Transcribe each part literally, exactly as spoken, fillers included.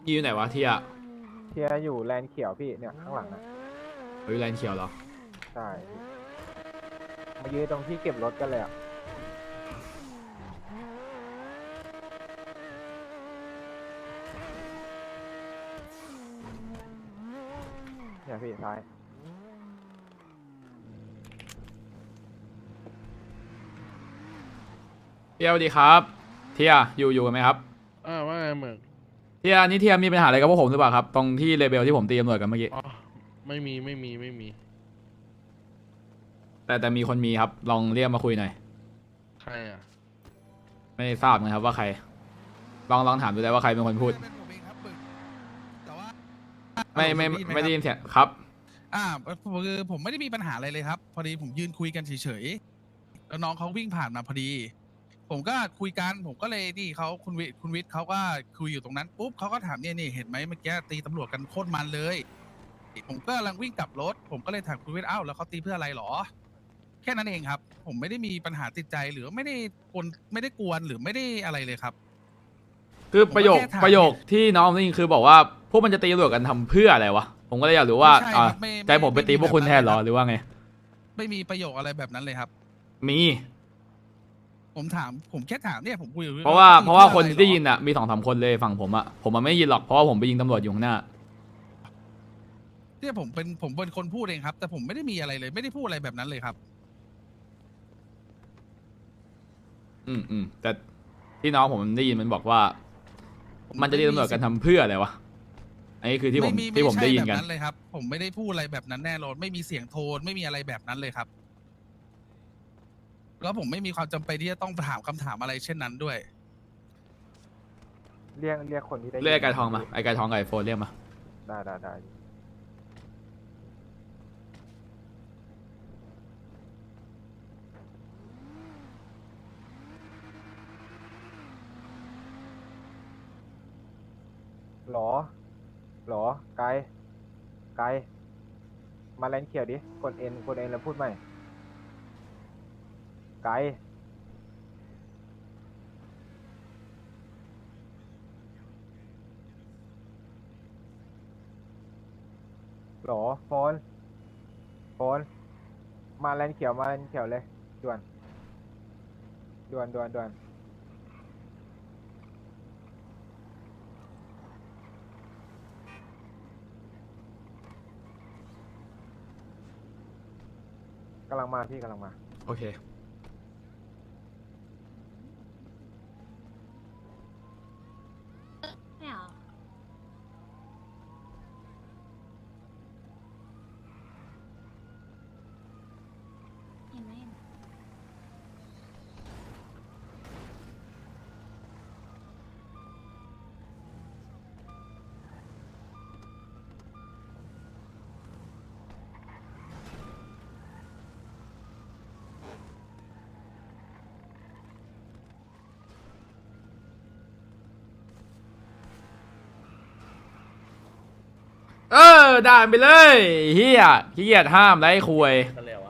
อยู่ไหนวะเทียเทียอยู่แลนด์เขียวพี่เนี่ยข้างหลังนะเฮ้ยแลนด์เขียวเหรอใช่พี่มายืนตรงที่เก็บรถกันเลยอ่ะเนี่ยพี่ซ้ายเทียสวัสดีครับเทียอยู่อยู่กันไหมครับอ่าว่าไงเหมือนเทียนี่เทียมีปัญหาอะไรกับพวกผมหรือเปล่าครับตรงที่เลเบลที่ผมตีตำรวจกันเมื่อกี้อ๋อไม่มีไม่มีไม่มีแต่แต่มีคนมีครับลองเรียกมาคุยหน่อยใครอ่ะไม่ทราบนะครับว่าใครลองลองถามดูได้ว่าใครเป็นคนพูดไม่ไม่ไม่ได้ยินเสียงครับอ่าคือผมไม่ได้มีปัญหาอะไรเลยครับ พอดีผมยืนคุยกันเฉยๆแล้วน้องเขาวิ่งผ่านมาพอดี ผมก็คุยกันผมก็เลยนี่เขาคุณวิคุณวิทย์เขาก็คุยอยู่ตรงนั้นปุ๊บเขาก็ถามเนี่ยนี่เห็นไหมเมื่อกี้ตีตำรวจกันโคตรมันเลยผมก็กำลังวิ่งกลับรถผมก็เลยถามคุณวิทย์อ้าวแล้วเขาตีเพื่ออะไรหรอแค่นั้นเองครับผมไม่ได้มีปัญหาติดใจหรือไม่ได้กวนไม่ได้กวนหรือไม่ได้อะไรเลยครับคือประโยคประโยคที่น้องได้ยินคือบอกว่าพวกมันจะตีตำรวจกันทำเพื่ออะไรวะผมก็เลยอยากรู้ว่าอ่าใจผมไปตีพวกคุณแทนหรอหรือว่าไงไม่มีประโยคอะไรแบบนั้นเลยครับมีผมถามผมแค่ถามเนี่ยผมคุยเพราะว่าเพราะว่าคนที่ได้ยินอ่ะมีสองสามคนเลยฝั่งผมอ่ะผมมันไม่ยินหรอกเพราะว่าผมไปยิงตำรวจอยู่ข้างหน้าเนี่ยผมเป็นผมเป็นคนพูดเองครับแต่ผมไม่ได้มีอะไรเลยไม่ได้พูดอะไรแบบนั้นเลยครับอืมอืมแต่ที่น้องผมได้ยินมันบอกว่ามันจะตีตำรวจกันทำเพื่ออะไรวะอันนี้คือที่ผมที่ผมได้ยินกันเลยครับผมไม่ได้พูดอะไรแบบนั้นแน่นอนไม่มีเสียงโทนไม่มีอะไรแบบนั้นเลยครับแล้วผมไม่มีความจำเป็นที่จะต้องถามคำถามอะไรเช่นนั้นด้วยเรียกเรียกคนที่ได้เรียกไอ้ไก่ทองมาไอ้ไก่ทองไก่โฟนเรียกมาได้ได้ได้หรอหรอไกลไกลมาแลนเขียวดิกดเอ็นกดเอ็นแล้วพูดใหม่ไกลหรอโฟนโฟนมาแลนเขียวมาแลนเขียวเลยด่วนด่วนด่วนด่วนกำลังมาพี่กำลังมาโอเคไม่เอาเห็นไหมเออด่าไปเลยเฮียขี้เกียจห้ามไล่คุย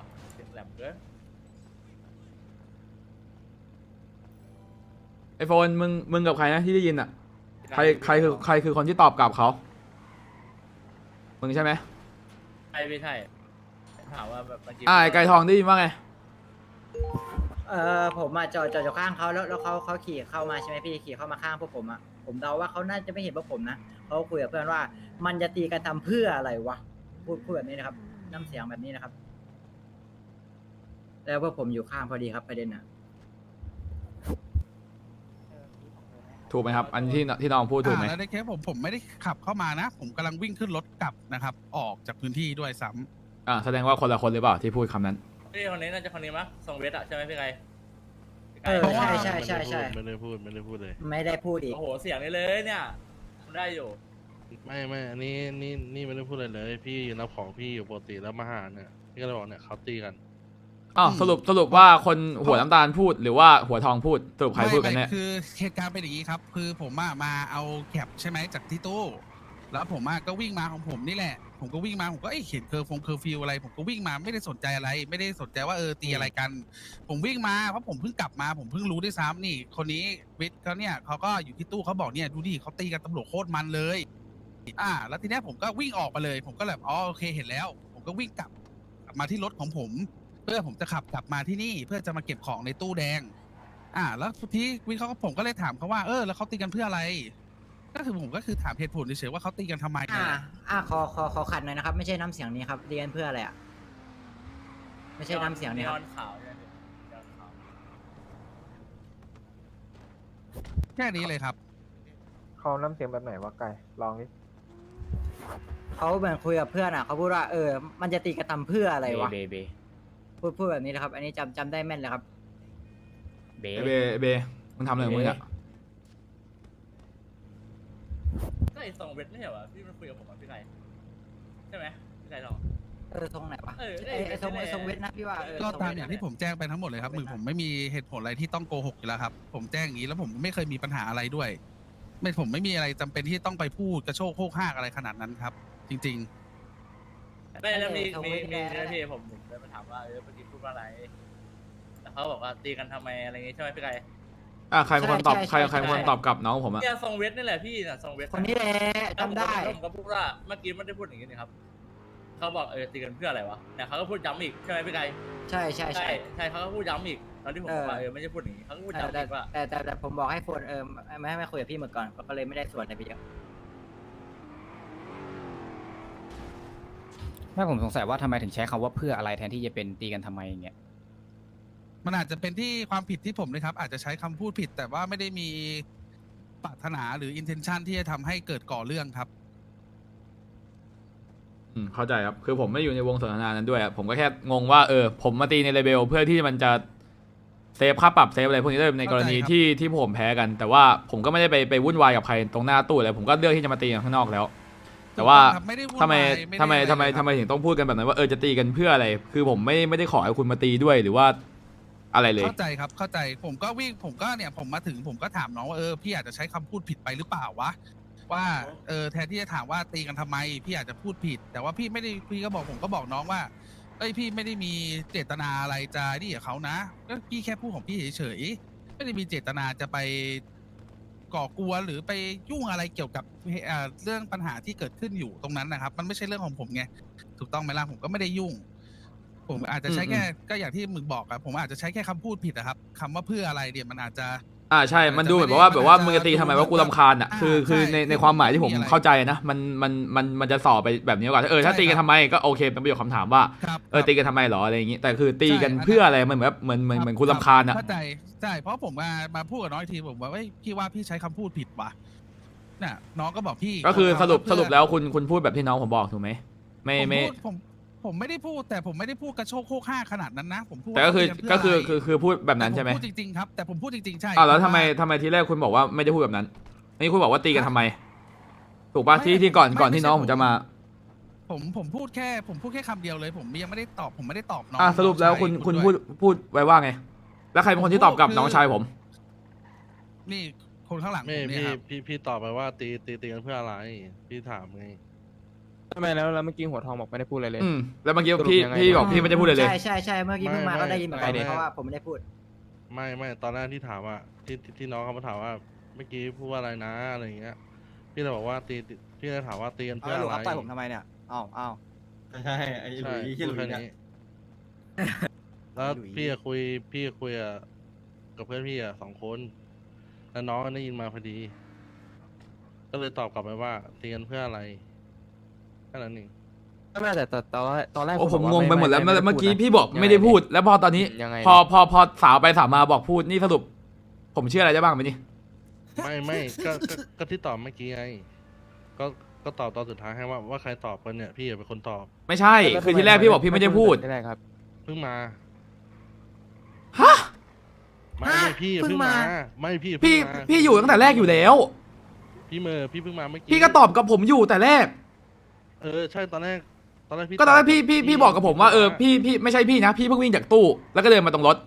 ไอโฟนมึงมึงกับใครนะที่ได้ยินอ่ะใครใครคือใครคือคนที่ตอบกลับเขามึงใช่ไหมใช่ไม่ใช่ถามว่าแบบอ่าไก่ทองได้ยินว่าไงเออผมมาจอดจอดอยู่ข้างเขาแล้วแล้วเขาเขาขี่เข้ามาใช่ไหมพี่ขี่เข้ามาข้างพวกผมอ่ะผมเดาว่าเขาน่าจะไม่เห็นพวกผมนะเขาคุยกับเพื่อนว่ามันจะตีกันทำเพื่ออะไรวะพูดพูดแบบนี้นะครับน้ำเสียงแบบนี้นะครับแล้วพวกผมอยู่ข้างพอดีครับประเด็นอ่ะถูกไหมครับอันที่ที่น้องพูดถูกไหมแล้วในเคสผมผมไม่ได้ขับเข้ามานะผมกำลังวิ่งขึ้นรถกลับนะครับออกจากพื้นที่ด้วยซ้ำอ่าแสดงว่าคนละคนหรือเปล่าที่พูดคำนั้นพี่คนนี้น่าจะคนนี้มั้ยส่งเวทอะใช่ไหมพี่ไก่เออใช่ใช่ใช่ใช่ไม่ได้พูดไม่ได้พูดเลยไม่ได้พูดอีกโอ้โหเสียงนี้เลยเนี่ยได้อยู่ไม่ไม่อันนี้นี่นี่ไม่ได้พูดอะไรเลยพี่ยืนรับของพี่อยู่ปกติแล้วมาหาเนี่ยพี่ก็เลยบอกเนี่ยเขาตีกันอ๋อสรุปสรุปว่าคนหัวน้ำตาลพูดหรือว่าหัวทองพูดสรุปใครพูดกันแน่คือเหตุการณ์เป็นอย่างนี้ครับคือผมมาเอาแคปใช่ไหมจากที่ตู้แล้วผมก็วิ่งมาของผมนี่แหละผมก็วิ่งมาผมก็เอ้ยเห็นเคอร์ฟงเคอร์ฟิวอะไร ผมก็วิ่งมาไม่ได้สนใจอะไร ไม่ได้สนใจว่าเออตีอะไรกัน ผมวิ่งมาเพราะผมเพิ่งกลับมาผมเพิ่งรู้ด้วยซ้ำนี่ คนนี้วิทย์เขาเนี่ยเขาก็อยู่ที่ตู้เขาบอกเนี่ยดูดิเขาตีกันตำรวจโคตรมันเลย อ่า แล้วทีเนี้ยผมก็วิ่งออกมาเลย ผมก็แบบอ๋อโอเคเห็นแล้ว ผมก็วิ่งกลับกลับมาที่รถของผม เพื่อผมจะขับกลับมาที่นี่ เพื่อจะมาเก็บของในตู้แดง อ่า แล้วทีวิทย์เขาก็ผมก็เลยถามเขาว่าเออแล้วเขาตีกันเพื่ออะไร ก็คือผมก็คือถามเหตุผลเฉยๆว่าเขาตีกันทำไมอ่าเนี่ยอ่าขอขอขอขัดหน่อยนะครับ ไม่ใช่น้ำเสียงนี้ครับเรียนเพื่ออะไรอ่ะไม่ใช่น้ำเสียงนี้ครับนีออนขาวใช่ไหมนีออนขาวแค่นี้เลยครับเขาน้ำเสียงแบบไหนวะไก่ลองดิเขาเหมือนคุยกับเพื่อนอ่ะเขาพูดว่าเออ มันจะตีกันทำเพื่ออะไรวะเบเบพูดพูดแบบนี้นะครับ อันนี้จำจำได้แม่นเลยครับเบไอ้เบเบมึงทำอะไรของมึงอะก็ไอ้ทรงเวทไม่ใช่เหรอพี่มันคุยกับผมอ่ะพี่ไก่ใช่ไหมพี่ไก่ลองเออทรงไหนวะเออไอไอทรงไอทรงเวทนะพี่ว่าเออก็ทรงตามเวทอย่างที่ผมแจ้งไปทั้งหมดเลยครับมือผมไม่มีเหตุผลอะไรที่ต้องโกหกอยู่แล้วครับ ผมแจ้งอย่างนี้แล้วผมไม่เคยมีปัญหาอะไรด้วย ไม่ผมไม่มีอะไรจำเป็นที่ต้องไปพูดกระโชกโคกห้ากอะไรขนาดนั้นครับ จริงไม่แล้วมีมีมีเรื่องที่ผมผมเลยมาถามว่าเออเมื่อกี้พูดว่าอะไรแล้วเขาบอกว่าตีกันทำไมอะไรอย่างงี้ใช่ไหมพี่ไก่อ่ะใครเป็นคนตอบใครใครเป็นคนตอบกลับน้องผมอะเนี่ยทรงเวทนี่แหละพี่น่ะทรงเวทคนนี้แหละจำได้แล้วผมก็พูดว่าเมื่อกี้ไม่ได้พูดอย่างนี้นี่ครับเขาบอกเออตีกันเพื่ออะไรวะเนี่ยเขาก็พูดย้ำอีกใช่ไหมพี่ไก่ใช่ใช่ใช่ใช่เขาก็พูดย้ำอีกตอนที่ผมบอกว่าเออไม่ใช่พูดอย่างนี้เขาก็พูดแต่ย้ำแต่อีกว่าแต่แต่แต่ผมบอกให้โฟนเออไม่ให้ไม่คุยกับพี่หมดก่อนก็เลยไม่ได้ส่วนอะไรไปเยอะไม่ผมสงสัยว่าทำไมถึงใช้คำว่าเพื่ออะไรแทนที่จะเป็นตีกันทำไมอย่างเงี้ยๆ มันอาจจะเป็นที่ความผิดที่ผมเลยครับ อาจจะใช้คำพูดผิด แต่ว่าไม่ได้มีปรารถนาหรือ intention ที่จะทำให้เกิดก่อเรื่องครับอืมเข้าใจครับ คือผมไม่อยู่ในวงสนทนานั้นด้วยอะผมก็แค่งงว่าเออผมมาตีในเลเบลเพื่อที่มันจะเซฟค่าปรับเซฟอะไรพวกนี้ด้วยในกรณีเข้าใจครับที่ที่ผมแพ้กัน แต่ว่าผมก็ไม่ได้ไปไปวุ่นวายกับใครตรงหน้าตู้เลยผมก็เลือกที่จะมาตีกันข้างนอกแล้ว แต่ว่าครับไม่ได้วุ่นทำไมวายทำไมด้อะรทำไมเลยครับทำไมถึงต้องพูดกันแบบนั้นว่าเออจะตีกันเพื่ออะไร คือผมไม่ไม่ได้ขอให้คุณมาตีด้วยหรือว่าอะไรเลยเข้าใจครับเข้าใจผมก็วิ่งผมก็เนี่ยผมมาถึงผมก็ถามน้องว่าเออพี่อาจจะใช้คำพูดผิดไปหรือเปล่าวะว่าเออแทนที่จะถามว่าตีกันทำไม พี่อาจจะพูดผิด แต่ว่าพี่ไม่ได้พี่ก็บอกผมก็บอกน้องว่าเอ้ยพี่ไม่ได้มีเจตนาอะไรจะนี่กับเขานะก็พี่แค่พูดของพี่เฉยๆไม่ได้มีเจตนาจะไปก่อกวนหรือไปยุ่งอะไรเกี่ยวกับเอ่อเรื่องปัญหาที่เกิดขึ้นอยู่ตรงนั้นนะครับ มันไม่ใช่เรื่องของผมไงถูกต้องไหมล่ะผมก็ไม่ได้ยุ่ง ผมอาจจะใช้แค่ก็อย่างที่มึงบอกครับผมอาจจะใช้แค่คำพูดผิดนะครับคำว่าเพื่ออะไรเนี่ยมันอาจจะอ่าใช่มันดูเหมือนแบบว่าแบบว่ามึงจะตีทำไมว่ากูรำคาญอ่ะอ่าคือคือใช่ในในคือความหมายที่ผมไม่มีอะไรเข้าใจนะมันมันมันมันจะสอบไปแบบนี้กว่าเออถ้าใช่ตีกันครับทำไมก็โอเคเป็นประโยคคำถามว่าครับเออครับตีกันทำไมหรออะไรอย่างงี้แต่คือตีกันใช่อันนั้นเพื่ออะไรมันเหมือนแบบเหมือนเหมือนเหมือนคุณรำคาญอ่ะเข้าใจใช่เพราะผมมามาพูดกับน้องอีกทีผมว่าเฮ้ยพี่ว่าพี่ใช้คำพูดผิดว่ะน่ะน้องก็บอกพี่ก็คือสรุปเพื่สรุปแล้วคุณคุณพูดแบบที่น้องผมบอกถูกไหมไม่ผมไม่พูดผมผมไม่ได้พูดแต่ผมไม่ได้พูดกระโชกโคกห้าขนาดนั้นนะผมพูดแต่ก็คือว่าตีนก็เพื่คืออะไรคือคือพูดแบบนั้นใช่ไหมแต่ผพูดจริงๆครับแต่ผมพูดจริงๆใช่อ้าวแล้วเพทำราะไมว่าทำไมทีแรกคุณบอกว่าไม่ได้พูดแบบนั้นนี่คุณบอกว่าตีกันทำไม ถูกป่ะไม่ที่ที่ก่อนไม่ก่อนไม่ที่ใช่น้องผผม มจะมาผมผมพูดแค่ ผมพูดแค่คำเดียวเลย ผมยังไม่ได้ตอบผมไม่ได้ตอบน้องอ่ะสรุปแล้วคุณน้องชายคุณด้วยพูดพูดไว้ว่าไง แล้วใครเป็นคนที่ตอบกลับผมพูดน้องชายผมนี่คนข้างหลังผไม่มเนี่ยพี่ครับพี่พี่ตอบไปว่าตีตีตีกันเพื่ออะไร พี่ถามไงทำไมแล้วแล้วเมื่อกี้หัวทองบอกไม่ได้พูดอะไรเลยอืมแล้วเมื่อกี้สรุปพี่ยังไงพี่บอกพี่ไม่ได้พูดเลยเลยใช่ใช่ใช่เมื่อกี้เพิ่งมาไม่ก็ได้ยินเหมือนกันไม่เพราะว่าผมไม่ได้พูดไม่ไม่ตอนแรกที่ถามว่าที่ที่ที่น้องเขามาถามว่าเมื่อกี้พูดว่าอะไรนะอะไรอย่างเงี้ย พี่เลยบอกว่าตีตีพี่เลยถามว่าตีกันเพื่ออะไรต่อยผมทำไมเนี่ยอ้าวอ้าวใช่ไอ้หลุใช่ยที่หพูลุดยแค่เนี่ยนี้ แล้วหลุยพี่จะคุยพี่จะคุยอะกับเพื่อนพี่อะสองคน แล้วน้องก็ได้ยินมาพอดี ก็เลยตอบกลับไปว่าตีกันเพื่ออะไรแค่นั้นเองไม่แต่แต่ตอนแรกตอนแรกโอ้คุณผมบอกงว่างไปหมดแล้วไไเมื่อกี้พูนะพี่บอกยังงไม่ได้พูด แล้วพอตอนนี้ยังไงพอพอพอสาวไปสาวมาบอกพูดนี่สรุป ผมเชื่ออะไรได้บ้างไหมนี่ไม่ไม่ก็ก็ก็ที่ตอบเมื่อกี้ไง ก็ก็ตอบตอนสุดท้ายให้ว่าว่าใครตอบกันเนี่ยพี่เป็นคนตอบไม่ใช่แล้วคือทำที่แรกพี่บอกพี่ไม่ได้พูดที่แรกครับเพิ่งมาฮะไม่ฮะไม่พี่เพิ่เพิ่งงมามา ไม่พี่พี่เพิ่งมาพี่อยู่ตั้งแต่แรกอยู่แล้วพี่เมอร์พี่เพิ่งมาเมื่อกี้พี่ก็ตอบกับผมอยู่แต่แรกเออใช่ตอนแรกตอนแรกพี่ก็ตอนแรกบพี่พี่พี่บอกกับผมว่าเออพี่พี่ไม่ใช่พี่นะ พี่เพิ่งวิ่งจากตู้ แล้วก็เดินมาตรงรถ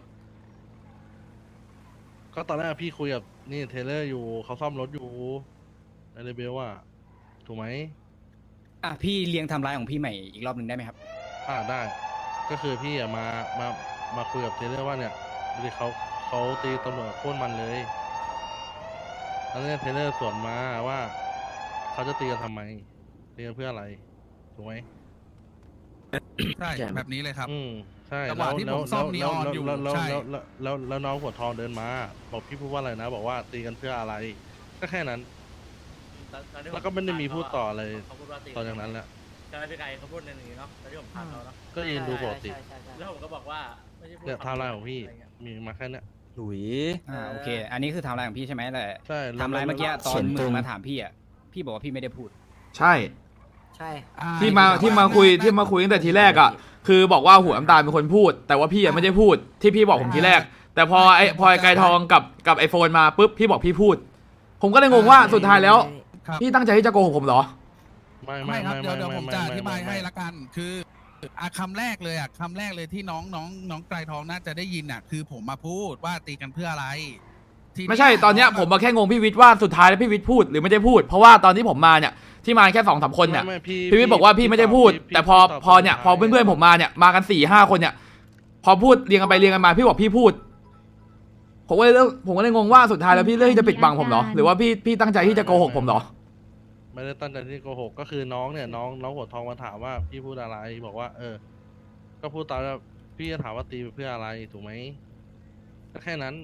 ก็ตอนแรกพี่คุยกับนี่เทเลอร์อยู่เขาซ่อมรถอยู่ในเรเบลว่าถูกไหมอ่ะพี่เรียงไทำลายของพี่ใหม่อีกรอบหนึ่งได้ไหมครับอ่าได้ ก็คือพี่อะมามามาคุยกับเทเลอร์ว่าเนี่ยดูดิเขาเขาตีตำรวจโค่นมันเลยแล้วเนี่ยเทเลอร์สวนมาว่าเขาจะตีกันทำไมตีกันเพื่ออะไรถูกไหมใช่แบบนี้เลยครับอืมใช่จังหวะที่ผมซ่อมนีออนอยู่แล้วแล้วใช่แล้วแล้วแล้วแล้วน้องหัวทองเดินมา บอกพี่พูดว่าอะไรนะ บอกว่าตีกันเพื่ออะไร ก็แค่นั้นตอนตอนที่ผแล้วก็ไม่ได้มีพูดต่ออะไรเขาพูดว่าตีตอนจากนั้นแหละใช่ไหมพี่ไก่เขาพูดในนี้เนาะตอนที่ผมถามเขาเนาะก็ยืนดูปกติแล้วผมก็บอกว่าไม่ใช่พูดเนี่ยไทม์ไลน์ของพี่ะไรเงี้ยมีมาแค่เนี้ยหลุยอ่าโอเค อันนี้คือไทำลายของพี่ใช่ไหมแต่ใช่แล้วไทำลายเมื่อกี้ตอเขีนยนมึตรง งมาถามพี่อ่ะพี่บอกว่าพี่ไม่ได้พูดใช่ใช่อ่ที่มาที่มาคุยที่มาคุยตั้งแต่ทีแรกอ่ะคือบอกว่าหัวน้ำตาลเป็นคนพูด แต่ว่าพี่ยังไม่ได้พูดที่พี่บอกผมทีแรก แต่พอไอพอไอไกรทองกับกับไอโฟนมาปุ๊บพี่บอกพี่พูด ผมก็เลยงงว่าสุดท้ายแล้วครับพี่ตั้งใจที่จะโกหกผมเหรอไม่ไม่ไม่ครับไม่เดี๋ยวเดี๋ยวไผมจะอธิบายให้ไม่ละกัน คืออ่ะคำแรกเลยอ่ะคำแรกเลยที่น้องน้องน้องไกรทองน่าจะได้ยินอ่ะ คือผมมาพูดว่าตีกันเพื่ออะไรทีเนี้ยไม่ใช่ตอนเนี้ยผมมาแค่งงพี่วิทย์ว่าสุดท้ายแล้วพี่วิทย์พูดหรือไม่ได้พูด เพราะว่าตอนที่ผมมาเนี่ยที่มาแค่สองสามคนเนี่ยไม่ไม่พี่พี่วิทย์บอกว่าพี่ไม่ได้พูดพี่แต่พอพี่ตบพอเนี่ยพอสุดท้ายเพื่อนๆผมมาเนี่ยมากันสี่ห้าคนเนี่ย พอพูดเรียงกันไปเรียงกันมาพี่บอกพี่พูด ผมก็เลยเลือกผมก็เลยงงว่าสุดท้ายแล้วพี่เลือกที่จะปิดบังผมเหรอหรือว่าพี่พี่ตั้งใจที่จะโกหกผมเหรอไม่ได้ตั้งใจที่โกหกก็คือน้องเนี่ยน้องน้องหัวทองมาถามว่าพี่พูดอะไรบอกว่า เออ ก็พูดตามว่าพี่จะถามว่าตีไปเพื่ออะไรถูกไหมก็แค่นั้น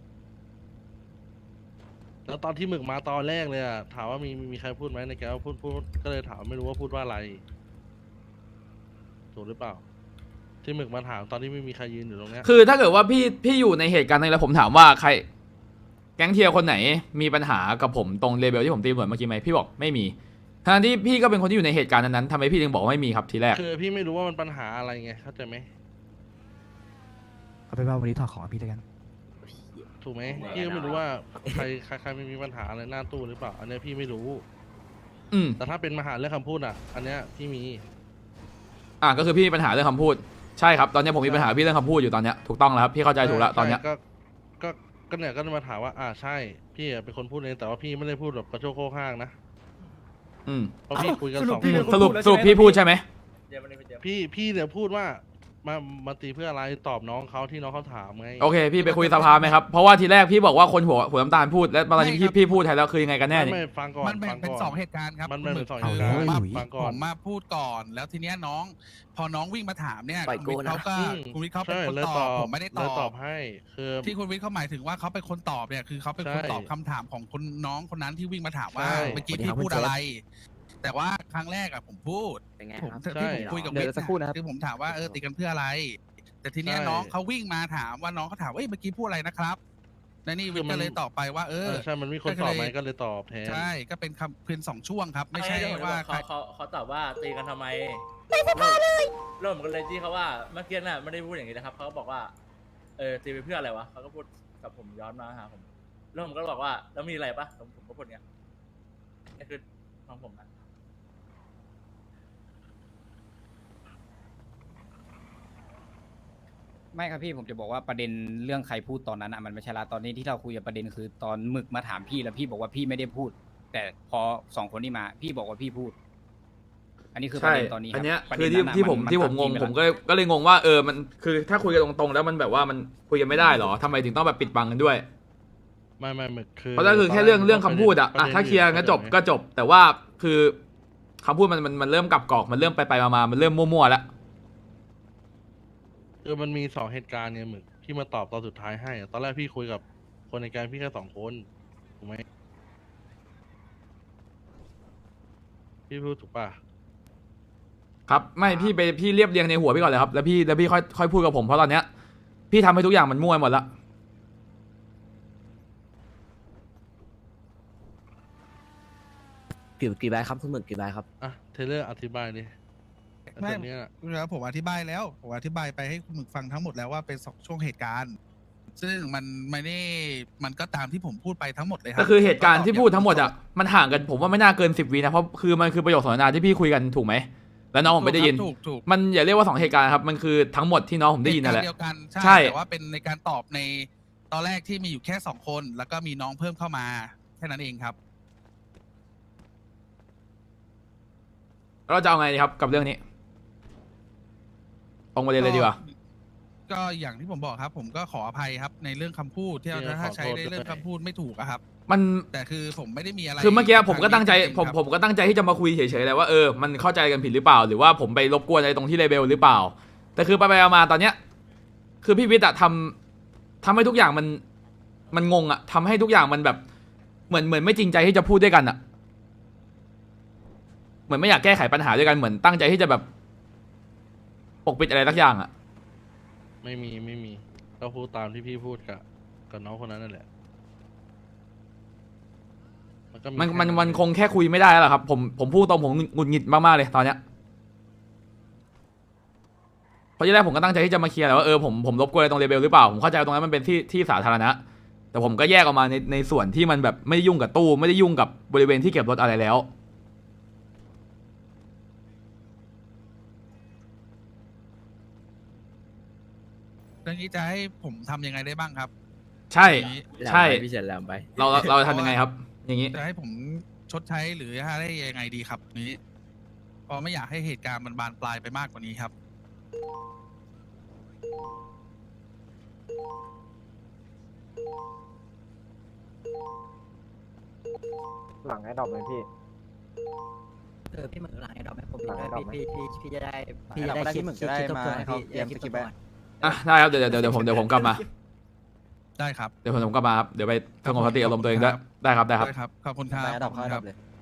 แล้วตอนที่หมึกมาตอนแรกเลยอะถามว่ามีมีมีใครพูดไหมในแกว่าพูดพูดก็เลยถามไม่รู้ว่าพูดว่าอะไรถูกหรือเปล่า ที่หมึกมาถามตอนที่ไม่มีใครยืนอยู่ตรงเนี้ยคือถ้าเกิดว่าพี่พี่อยู่ในเหตุการณ์นั้นแล้วผมถามว่าใคร แก๊งเทียร์คนไหนมีปัญหากับผมตรงเลเวลที่ผมตีเหมือนเมื่อกี้ไหมพี่บอกไม่มีทั้งที่พี่ก็เป็นคนที่อยู่ในเหตุการณ์นั้นๆทำไมพี่ถึงบอกว่าไม่มีครับทีแรกคือพี่ไม่รู้ว่ามันปัญหาอะไรไงเข้าใจไหมเอาไปนว่าวันนี้ถอดของพี่แล้วกันถูกไหมพี่ก็ไม่รู้ว่าใครใครใครไม่มีปัญหาอะไรหน้าตู้หรือเปล่า อันเนี้ยพี่ไม่รู้อืมแต่ถ้าเป็นมหาเรื่องคำพูดอ่ะ อันเนี้ยพี่มีอ่ะก็คือพี่มีปัญหาเรื่องคำพูดใช่ครับตอนนี้ผมมีปัญหาพี่เรื่องคำพูดอยู่ตอนเนี้ยถูกต้องแล้วครับพี่เข้าใจถูกแล้วตอนเนี้ยใช่ก็ก็ก็เนี่ยก็มาถามว่า อ่าใช่ พี่อะเป็นคนพูดเองแต่ว่าพี่ไม่ได้พูดแบบกระโชกโคกห้างนะอืมเพราะพี่คุยกันสรุสปองพี่คเป็นนคนสรุปพูดแล้วสรุปใช่ไหมพี่พูดใช่ไหมเดี๋ยวมันนี้เดี๋ยวพี่พี่เนี่ยพูดว่ามามาตีเพื่ออะไรตอบน้องเขาที่น้องเขาถามไงโอเคพี่ไปคุยสภาไหมครับเพราะว่าทีแรกพี่บอกว่าคนหัวหัวน้ำตาลพูดแล้วตอนนี้ไม่ครัพี่บพี่พูดแทนแล้วคือยังไงกันแน่ไม่นี่ไม่ฟังก่อนมันแบ่ฟังงเป็นก่อนสองเหตุการณ์ครับมันแบ่งเป็นสองคืเหตุการณ์ผมมาฟังก่อนผมมาพูดก่อน แล้วทีเนี้ยน้อง พอน้องวิ่งมาถามเนี่ยปล่อยคุณวิทย์เขาก็อืมคุณวิทย์เขาเป็นใช่คนเลยตตออบบ ผมไม่ได้ตเลยอตอบบให้คือที่คุณวิทย์เขาหมายถึงว่าเขาเป็นคนตอบเนี่ยคือเขาเป็นคนใช่ตอบคำถามของคุณน้องคนนั้นที่วิ่งมาถามว่าใช่เมื่อกี้สวัสดีครัพี่บพูดคุณเจษอะไร แต่ว่าครั้งแรกอะผมพูดเป็นไงผมครับที่ผมคุยกับเดี๋วิยวทย์สักครู่นะครับคือผมถามว่าเออตีกันเพื่ออะไร แต่ทีเนี้ยใช่น้องเขาวิ่งมาถามว่าน้องเขาถามว่าเอ้ยเมื่อกี้พูดอะไรนะครับและนี่วิทย์คือมัก็นเลยตอบไปว่า เอเอออใช่มันมีคนตอบไหมก็เลยตอบแทนใช่ก็เป็นคำเพียงสองช่วงครับ ไม่ใช่เดี๋ยผว่าจะบอกเขาเขาเขาตอบว่าตีกันทำไมไม่สภาเลยเริ่มกันเลยที่เขาว่าเมื่อกี้น่ะไม่ได้พูดอย่างนี้นะครับเขาก็บอกว่าเออตีไปเพื่ออะไรวะเขาก็พูดกับผมย้อนมาหาผมแล้วผมก็บอกว่าแล้วมีอะไรปะผมผมก็พูดเงี้ยนี่คือของผมนะไม่ครับพี่ผมจะบอกว่าประเด็นเรื่องใครพูดตอนนั้นอ่ะมันไม่ใช่ละตอนนี้ที่เราคุยกับประเด็นคือตอนหมึกมาถามพี่แล้วพี่บอกว่าพี่ไม่ได้พูด แต่พอสองคนนี้มา พี่บอกว่าพี่พูด อันนี้คือประใช่เด็นตอนนี้คอัรับนเนี้ยประคืเด็อน ที่นั้นอะที่ผมนที่ผมตัดงงทิ้ไปผมแล้วก็ก็เลยงงว่าเออมันคือถ้าคุยกันตรงๆแล้วมันแบบว่ามันคุยกันไม่ได้เหรอทำไมถึงต้องแบบปิดบังกันด้วยไม่ไม่ไม่คือเพราะนั่นคือแค่เรื่องเรื่องคำพูดอะอ่ะถ้าเคลียร์กันจบก็จบ แต่ว่าคือคำพูดมันมันมันเริ่มกลับกรอกมันเริ่มไปไปมามามันเริ่มมั่วๆแล้วคือมันมีสองเหตุการณ์ไงหมึกที่มาตอบตอนสุดท้ายให้อะตอนแรกพี่คุยกับคนในแก๊งพี่แค่สองคนถูกไหมพี่พูดถูกป่ะครับไม่พี่ไปพี่เรียบเรียงในหัวพี่ก่อนเลยครับแล้วพี่แล้วพี่ค่อยค่อยพูดกับผมเพราะตอนเนี้ยพี่ทำให้ทุกอย่างมันมั่วหมดละกี่กี่ใบครับคุณหมึกกี่ใบครับอ่ะเทเลอร์อธิบายดิไม่ตอนเนี้ยแล้วผมอธิบายแล้วผมอธิบายไปให้คุณหมึกฟังทั้งหมดแล้วว่าเป็นสองช่วงเหตุการณ์ ซึ่งมันไม่ได้มันก็ตามที่ผมพูดไปทั้งหมดเลยครับก็คือเหตุการณ์ที่พูดทั้งหมดอะมันห่างกันผมว่าไม่น่าเกินสิบวินะเพราะคือมันคือประโยคสนทนาที่พี่คุยกันถูกไหมแล้วน้องผมไม่ได้ยินถูกถูกมันอย่าเรียกว่าสองเหตุการณ์ครับมันคือทั้งหมดที่น้องผมได้ยินนั่นแหละเหตุการณ์เดียวกันใช่ใช่แต่ว่าเป็นในการตอบในตอนแรกที่มีอยู่แค่สองคน แล้วก็มีน้องเพิ่มเข้ามาแค่นั้นเองครับเราจะเอาไงดีครับกับเรื่องนี้ตรงประเด็นเลยดีกว่าก็อย่างที่ผมบอกครับ ผมก็ขออภัยครับในเรื่องคำพูดที่เราถ้าใช้ในเรื่องคำพูดไม่ถูกอะครับมันแต่คือผมไม่ได้มีอะไรคือเมื่อกี้ผมก็ตั้งใจริๆผมครับผมก็ตั้งใจที่จะมาคุยเฉยๆแหละว่าเออมันเข้าใจกันผิดหรือเปล่า หรือว่าผมไปรบกวนอะไรตรงที่เลเบลหรือเปล่า แต่คือไปไปมาๆตอนเนี้ยคือพี่วิทย์อะทำทำให้ทุกอย่างมันมันงงอะทำให้ทุกอย่างมันแบบเหมือนเหมือนไม่จริงใจที่จะพูดด้วยกันอะเหมือนไม่อยากแก้ไขปัญหาด้วยกันเหมือนตั้งใจที่จะแบบปกปิดอะไรสักอย่างอะไม่มีไม่มีก็พูดตามที่พี่พูดกับกับน้องคนนั้นนั่นแหละมันก็มันแค่มันมันเองคงแค่คุยไม่ได้แล้วล่ะครับผมผมพูดตรงผมหงุดหงิดมากๆเลยตอนเนี้ยเพราะที่แรกผมก็ตั้งใจที่จะมาเคลียร์แหละว่าเออผมผมรบกวนอะไรตรงเลเบลหรือเปล่าผมเข้าใจว่าตรงนั้นมันเป็นที่ที่สาธารณะแต่ผมก็แยกออกมาในในส่วนที่มันแบบไม่ได้ยุ่งกับตู้ไม่ได้ยุ่งกับบริเวณที่เก็บรถอะไรแล้วเรื่องนี้จะให้ผมทำยังไงได้บ้างครับใช่อย่างนี้ใช่พี่เฉินแหลมไปเราเราเราจะทำยังไงครับ อย่างนี้จะให้ผมชดใช้หรือให้ยังไงดีครับนี้เพราะไม่อยากให้เหตุการณ์มันบานปลายไปมากกว่านี้ครับหลังไอ้ดอกเลยพี่เออพี่เหมือนหลังไอ้ดอกไหมผมหลังไอ้ดอกไหมพี่พี่พี่จะได้พี่จะได้คิดคิดทบทวนพี่เตรียมสกิปไว้อ่ะได้ครับเดี๋ยวเดี๋ยวเดี๋ยวผมเดี๋ยวผมกลับมาได้ครับเดี๋ยวผมกลับมาครับเดี๋ยวไปสงบสติอารมณ์ตัวเองด้วยได้ครับได้ครับได้ครับ ขอบคุณครับไปอันดับขอบเข้าคุณอันคดัรับบ เลย